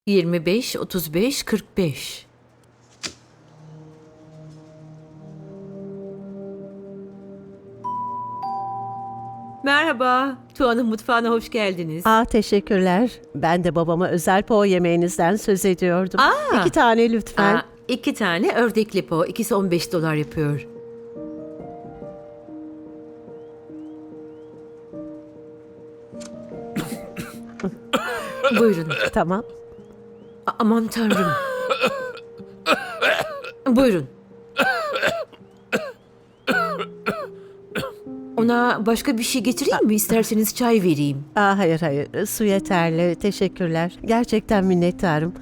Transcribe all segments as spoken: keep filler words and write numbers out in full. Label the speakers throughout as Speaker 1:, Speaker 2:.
Speaker 1: yirmi beş, otuz beş, kırk beş. Merhaba, Tuğan'ın mutfağına hoş geldiniz.
Speaker 2: Aa, teşekkürler. Ben de babama özel po yemeğinizden söz ediyordum.
Speaker 1: Aa!
Speaker 2: İki tane lütfen.
Speaker 1: Aa, iki tane ördekli po, ikisi on beş dolar yapıyor. Buyurun.
Speaker 2: Tamam.
Speaker 1: A- aman tanrım. Buyurun. Ona başka bir şey getireyim mi? İsterseniz çay vereyim.
Speaker 2: Aa, hayır hayır. Su yeterli. Teşekkürler. Gerçekten minnettarım.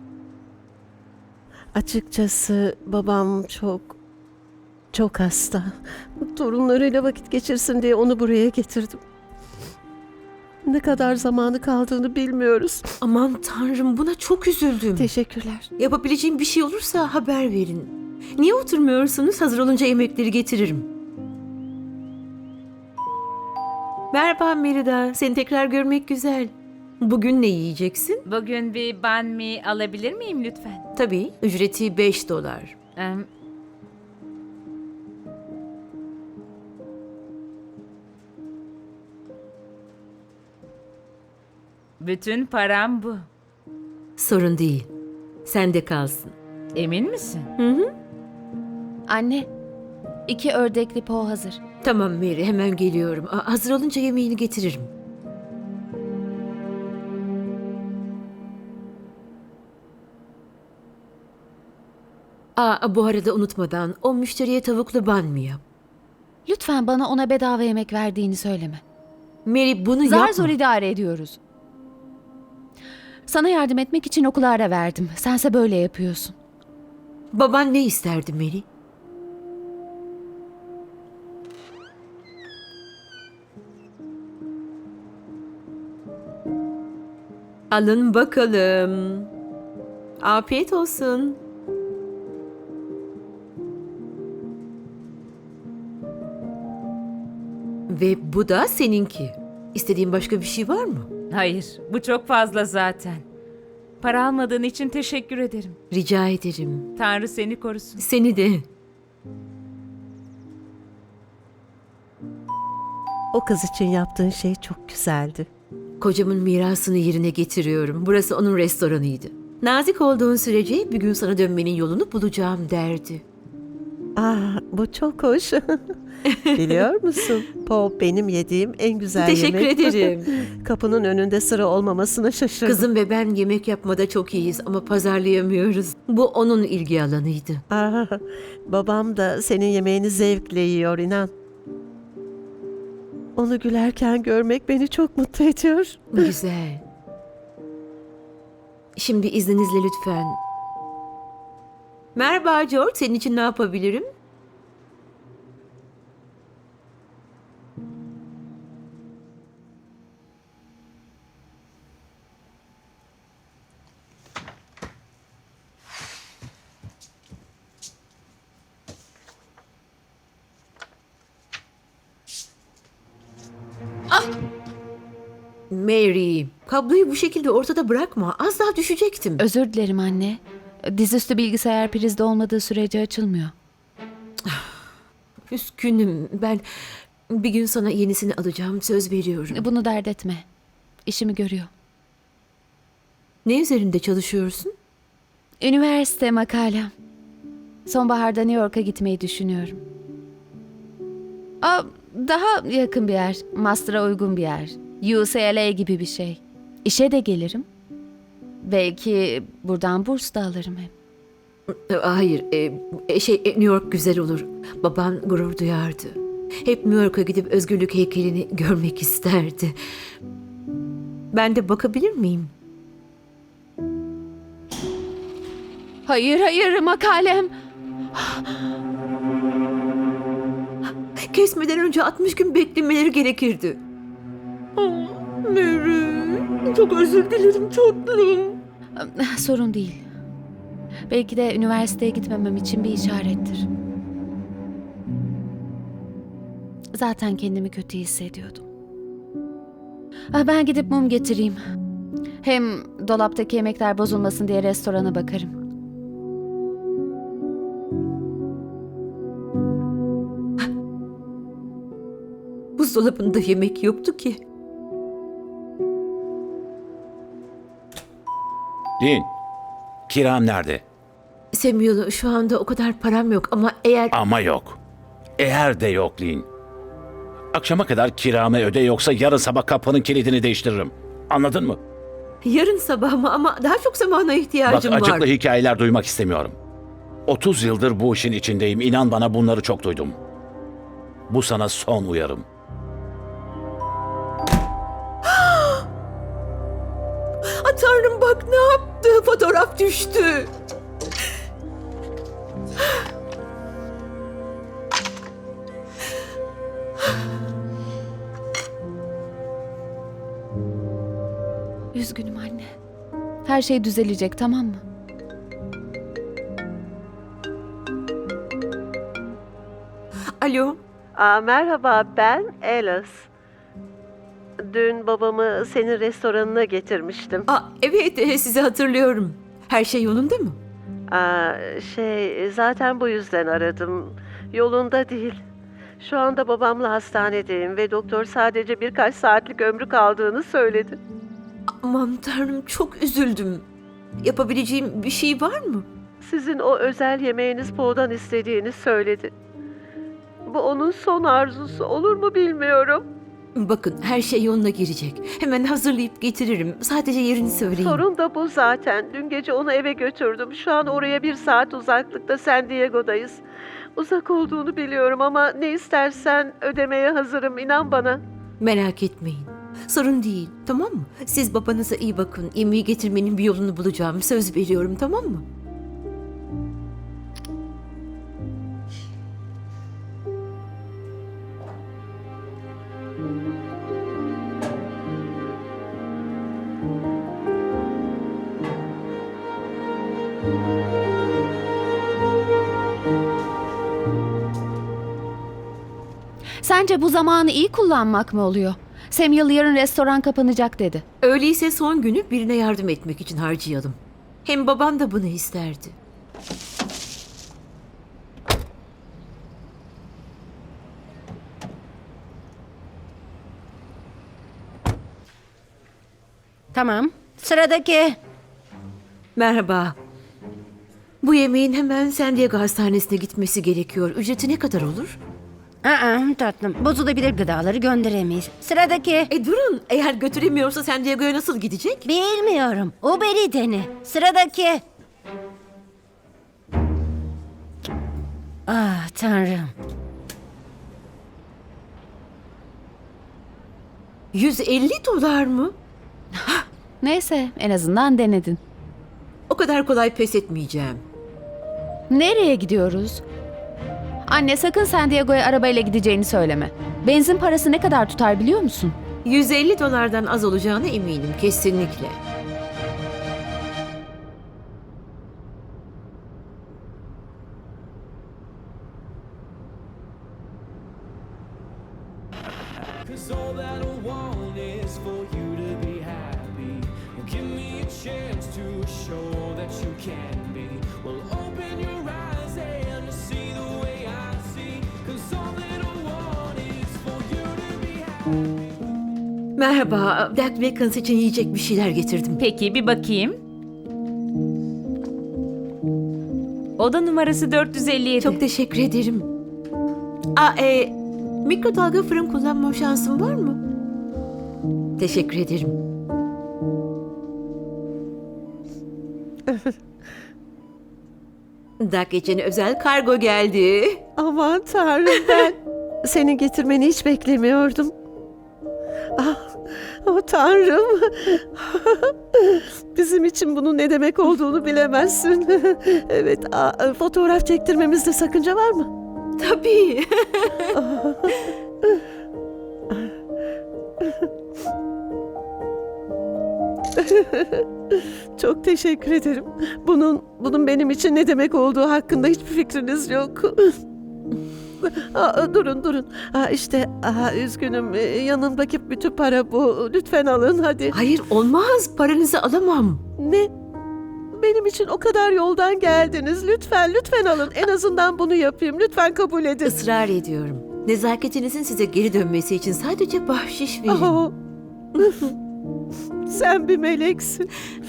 Speaker 2: Açıkçası babam çok çok hasta. Torunlarıyla vakit geçirsin diye onu buraya getirdim. Ne kadar zamanı kaldığını bilmiyoruz.
Speaker 1: Aman tanrım, buna çok üzüldüm.
Speaker 2: Teşekkürler.
Speaker 1: Yapabileceğim bir şey olursa haber verin. Niye oturmuyorsunuz? Hazır olunca yemekleri getiririm. Merhaba Merida. Seni tekrar görmek güzel. Bugün ne yiyeceksin?
Speaker 3: Bugün bir banh mi alabilir miyim lütfen?
Speaker 1: Tabii. Ücreti beş dolar.
Speaker 3: Em, Bütün param bu.
Speaker 1: Sorun değil. Sende kalsın.
Speaker 3: Emin misin?
Speaker 1: Hı hı.
Speaker 4: Anne, iki ördekli po hazır.
Speaker 1: Tamam Mary, hemen geliyorum. Aa, hazır olunca yemeğini getiririm. Aa, bu arada unutmadan o müşteriye tavuklu ban mı yap?
Speaker 4: Lütfen bana ona bedava yemek verdiğini söyleme.
Speaker 1: Mary bunu
Speaker 4: Zar
Speaker 1: yapma.
Speaker 4: zor idare ediyoruz. Sana yardım etmek için okula ara verdim. Sense böyle yapıyorsun.
Speaker 1: Baban ne isterdi Mary? Alın bakalım. Afiyet olsun. Ve bu da seninki. İstediğin başka bir şey var mı?
Speaker 3: Hayır, bu çok fazla zaten. Para almadığın için teşekkür ederim.
Speaker 1: Rica ederim.
Speaker 3: Tanrı seni korusun.
Speaker 1: Seni de.
Speaker 2: O kız için yaptığın şey çok güzeldi.
Speaker 1: Kocamın mirasını yerine getiriyorum. Burası onun restoranıydı. Nazik olduğun sürece bir gün sana dönmenin yolunu bulacağım derdi.
Speaker 2: Aa, bu çok hoş. Biliyor musun? Po benim yediğim en güzel
Speaker 1: Teşekkür
Speaker 2: yemek.
Speaker 1: ederim.
Speaker 2: Kapının önünde sıra olmamasına şaşırdım.
Speaker 1: Kızım ve ben yemek yapmada çok iyiyiz ama pazarlayamıyoruz. Bu onun ilgi alanıydı.
Speaker 2: Aa, babam da senin yemeğini zevkle yiyor, inan. Onu gülerken görmek beni çok mutlu ediyor.
Speaker 1: Güzel. Şimdi izninizle lütfen. Merhaba George, senin için ne yapabilirim? Mary, kabloyu bu şekilde ortada bırakma. Az daha düşecektim.
Speaker 4: Özür dilerim anne. Dizüstü bilgisayar prizde olmadığı sürece açılmıyor.
Speaker 1: Üzgünüm. Ben bir gün sana yenisini alacağım. Söz veriyorum.
Speaker 4: Bunu dert etme. İşimi görüyor.
Speaker 1: Ne üzerinde çalışıyorsun?
Speaker 4: Üniversite makalem. Sonbaharda New York'a gitmeyi düşünüyorum. Aa, daha yakın bir yer. Master'a uygun bir yer. U C L A gibi bir şey. İşe de gelirim. Belki buradan burs da alırım hep.
Speaker 1: Hayır, e, e, şey e, New York güzel olur. Baban gurur duyardı. Hep New York'a gidip özgürlük heykelini görmek isterdi. Ben de bakabilir miyim?
Speaker 4: Hayır hayır makalem.
Speaker 1: Kesmeden önce altmış gün beklemeleri gerekirdi. Oh, Mary, çok özür dilerim tatlım.
Speaker 4: Sorun değil. Belki de üniversiteye gitmemem için bir işarettir. Zaten kendimi kötü hissediyordum. Ah, ben gidip mum getireyim. Hem dolaptaki yemekler bozulmasın diye restorana bakarım.
Speaker 1: Buzdolabında yemek yoktu ki.
Speaker 5: Lin, kiram nerede?
Speaker 1: Samuel, şu anda o kadar param yok ama eğer...
Speaker 5: Ama yok. Eğer de yok Lin. Akşama kadar kiramı öde yoksa yarın sabah kapının kilidini değiştiririm. Anladın mı?
Speaker 1: Yarın sabah mı? Ama daha çok zamana
Speaker 5: Bak
Speaker 1: ihtiyacım var.
Speaker 5: acıklı hikayeler duymak istemiyorum. otuz yıldır bu işin içindeyim. İnan bana bunları çok duydum. Bu sana son uyarım.
Speaker 1: Ah, Tanrım bak ne yaptı? Fotoğraf düştü.
Speaker 4: Üzgünüm anne. Her şey düzelecek, tamam mı?
Speaker 1: Alo.
Speaker 2: Aa, merhaba, ben Alice. Dün babamı senin restoranına getirmiştim.
Speaker 1: Aa, evet e, sizi hatırlıyorum. Her şey yolunda mı?
Speaker 2: Aa, şey, zaten bu yüzden aradım. Yolunda değil. Şu anda babamla hastanedeyim ve doktor sadece birkaç saatlik ömrü kaldığını söyledi.
Speaker 1: Aman Tanrım çok üzüldüm. Yapabileceğim bir şey var mı?
Speaker 2: Sizin o özel yemeğiniz Po'dan istediğini söyledi. Bu onun son arzusu, olur mu bilmiyorum.
Speaker 1: Bakın her şey yoluna girecek. Hemen hazırlayıp getiririm. Sadece yerini söyleyin.
Speaker 2: Sorun da bu zaten. Dün gece onu eve götürdüm. Şu an oraya bir saat uzaklıkta San Diego'dayız. Uzak olduğunu biliyorum ama ne istersen ödemeye hazırım, inan bana.
Speaker 1: Merak etmeyin. Sorun değil, tamam mı? Siz babanıza iyi bakın. Yemeği getirmenin bir yolunu bulacağım. Söz veriyorum, tamam mı?
Speaker 4: Sence bu zamanı iyi kullanmak mı oluyor? Samuel yarın restoran kapanacak dedi.
Speaker 1: Öyleyse son günü birine yardım etmek için harcayalım. Hem baban da bunu isterdi.
Speaker 6: Tamam. Sıradaki.
Speaker 1: Merhaba. Bu yemeğin hemen San Diego Hastanesi'ne gitmesi gerekiyor. Ücreti ne kadar olur?
Speaker 6: Aa, tatlım. Bozulabilir gıdaları gönderemeyiz. Sıradaki.
Speaker 1: E durun, eğer götüremiyorsa San Diego'ya nasıl gidecek?
Speaker 6: Bilmiyorum. Uber'i dene. Sıradaki. Ah tanrım.
Speaker 1: yüz elli dolar mı?
Speaker 4: Neyse, en azından denedin.
Speaker 1: O kadar kolay pes etmeyeceğim.
Speaker 4: Nereye gidiyoruz? Anne sakın San Diego'ya arabayla gideceğini söyleme. Benzin parası ne kadar tutar biliyor musun?
Speaker 1: yüz elli dolardan az olacağına eminim kesinlikle.
Speaker 7: Cause all that I want is for you to be happy. Give me a chance to show that you can be. Well, open your eyes and see the way I see. Cause all that I want is for you to be happy.
Speaker 1: Merhaba, Black Vacans için yiyecek bir şeyler getirdim.
Speaker 3: Peki bir bakayım. Oda numarası dört yüz elli yedi.
Speaker 1: Çok teşekkür ederim. Aa, e, mikrodalga fırın kullanma şansım var mı? Teşekkür ederim. Dak için özel kargo geldi.
Speaker 2: Aman Tanrım, ben senin getirmeni hiç beklemiyordum. Ah, oh Tanrım. Bizim için bunun ne demek olduğunu bilemezsin. Evet, aa, fotoğraf çektirmemizde sakınca var mı?
Speaker 1: Tabii.
Speaker 2: Çok teşekkür ederim. Bunun bunun benim için ne demek olduğu hakkında hiçbir fikriniz yok. Aa, durun durun. Aa, işte aa, üzgünüm. Ee, Yanımdaki bütün para bu. Lütfen alın hadi.
Speaker 1: Hayır olmaz. Paranızı alamam.
Speaker 2: Ne? Benim için o kadar yoldan geldiniz. Lütfen lütfen alın. En azından bunu yapayım. Lütfen kabul edin.
Speaker 1: Israr ediyorum. Nezaketinizin size geri dönmesi için sadece bahşiş verin.
Speaker 2: Aa, sen bir meleksin.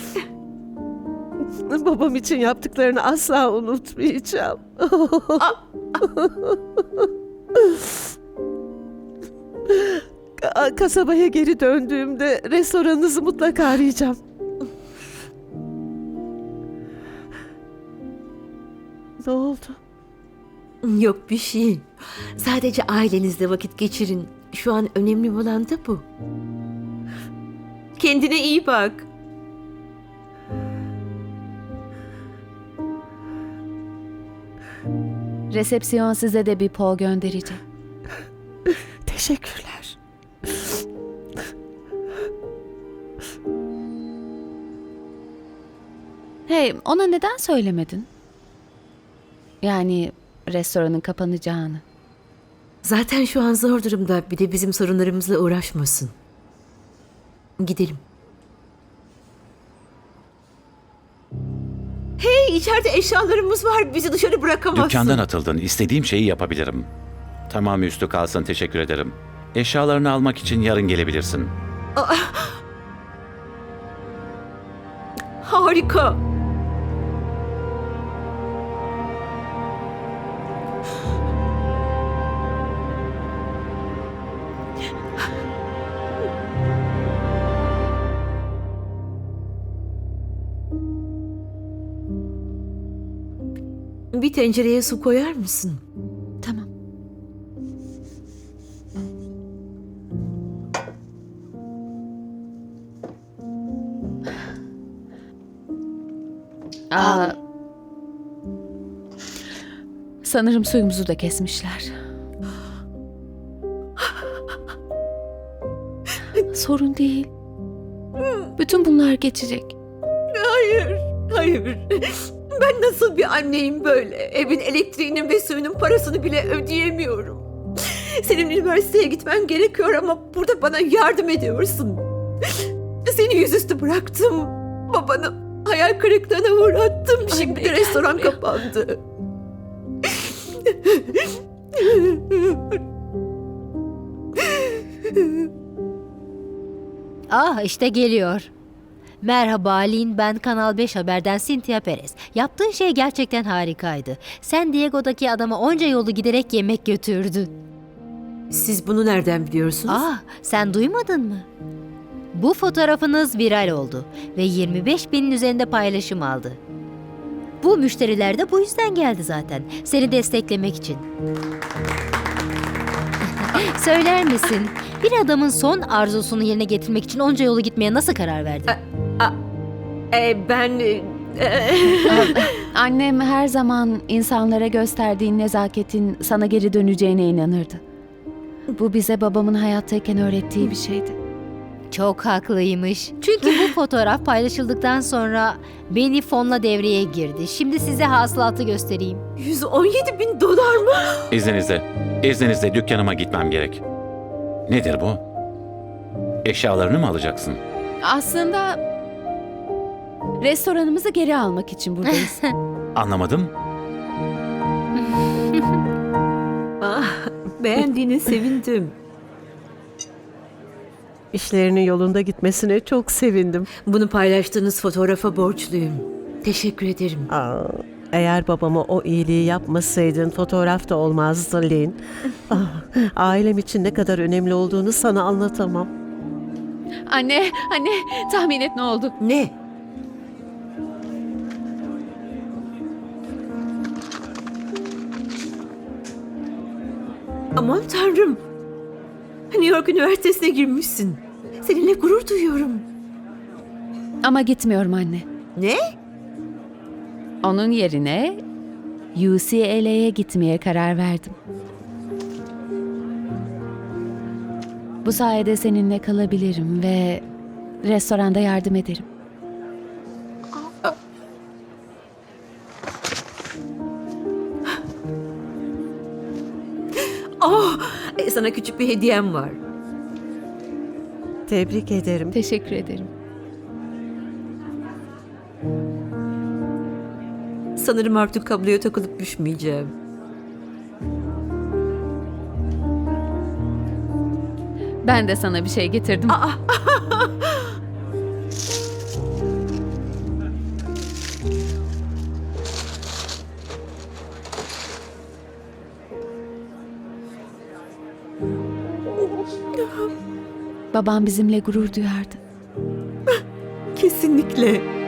Speaker 2: Babam için yaptıklarını asla unutmayacağım. Ka- Kasabaya geri döndüğümde restoranınızı mutlaka arayacağım. Ne oldu?
Speaker 1: Yok bir şey. Sadece ailenizle vakit geçirin. Şu an önemli olan da bu. Kendine iyi bak.
Speaker 4: Resepsiyon size de bir po gönderecek.
Speaker 2: Teşekkürler.
Speaker 4: Hey, ona neden söylemedin? Yani restoranın kapanacağını.
Speaker 1: Zaten şu an zor durumda. Bir de bizim sorunlarımızla uğraşmasın. Gidelim. Hey, içeride eşyalarımız var. Bizi dışarı bırakamazsın.
Speaker 5: Dükkandan atıldın. İstediğim şeyi yapabilirim. Tamam üstü kalsın, teşekkür ederim. Eşyalarını almak için yarın gelebilirsin.
Speaker 1: Harika. Bir tencereye su koyar mısın?
Speaker 4: Tamam. Aa, sanırım suyumuzu da kesmişler. Sorun değil. Bütün bunlar geçecek.
Speaker 1: Hayır, hayır. Ben nasıl bir anneyim böyle? Evin elektriğinin ve suyunun parasını bile ödeyemiyorum. Senin üniversiteye gitmen gerekiyor ama burada bana yardım ediyorsun. Seni yüzüstü bıraktım. Babanı hayal kırıklığına uğrattım. Şimdi de
Speaker 4: Anne,
Speaker 1: restoran
Speaker 4: gelmiyor.
Speaker 1: kapandı.
Speaker 8: Ah işte geliyor. Merhaba Lin, ben Kanal beş Haber'den Cynthia Perez. Yaptığın şey gerçekten harikaydı. San Diego'daki adama onca yolu giderek yemek götürdün.
Speaker 1: Siz bunu nereden biliyorsunuz?
Speaker 8: Ah, sen duymadın mı? Bu fotoğrafınız viral oldu ve yirmi beş binin üzerinde paylaşım aldı. Bu müşteriler de bu yüzden geldi zaten. Seni desteklemek için. Söyler misin? Bir adamın son arzusunu yerine getirmek için onca yolu gitmeye nasıl karar verdin?
Speaker 1: Ee, ben... e,
Speaker 4: Annem her zaman insanlara gösterdiğin nezaketin sana geri döneceğine inanırdı. Bu bize babamın hayattayken öğrettiği bir şeydi.
Speaker 8: Çok haklıymış. Çünkü bu fotoğraf paylaşıldıktan sonra beni fonla devreye girdi. Şimdi size hasılatı göstereyim.
Speaker 1: yüz on yedi bin dolar mı?
Speaker 5: İzninizle, izninizle dükkanıma gitmem gerek. Nedir bu? Eşyalarını mı alacaksın?
Speaker 4: Aslında restoranımızı geri almak için buradayız.
Speaker 5: Anlamadım.
Speaker 1: Ah, beğendiğine sevindim.
Speaker 2: İşlerinin yolunda gitmesine çok sevindim.
Speaker 1: Bunu paylaştığınız fotoğrafa borçluyum. Teşekkür ederim.
Speaker 2: Aa, eğer babama o iyiliği yapmasaydın fotoğraf da olmazdı Lin. Ah, ailem için ne kadar önemli olduğunu sana anlatamam.
Speaker 4: Anne, anne tahmin et ne oldu?
Speaker 1: Ne? Aman tanrım. New York Üniversitesi'ne girmişsin. Seninle gurur duyuyorum.
Speaker 4: Ama gitmiyorum anne.
Speaker 1: Ne?
Speaker 4: Onun yerine U C L A'ye gitmeye karar verdim. Bu sayede seninle kalabilirim ve restoranda yardım ederim.
Speaker 1: sana küçük bir hediyem var.
Speaker 2: Tebrik ederim.
Speaker 4: Teşekkür ederim.
Speaker 1: Sanırım artık kabloya takılıp düşmeyeceğim.
Speaker 4: Ben de sana bir şey getirdim. Babam bizimle gurur duyardı.
Speaker 1: Kesinlikle.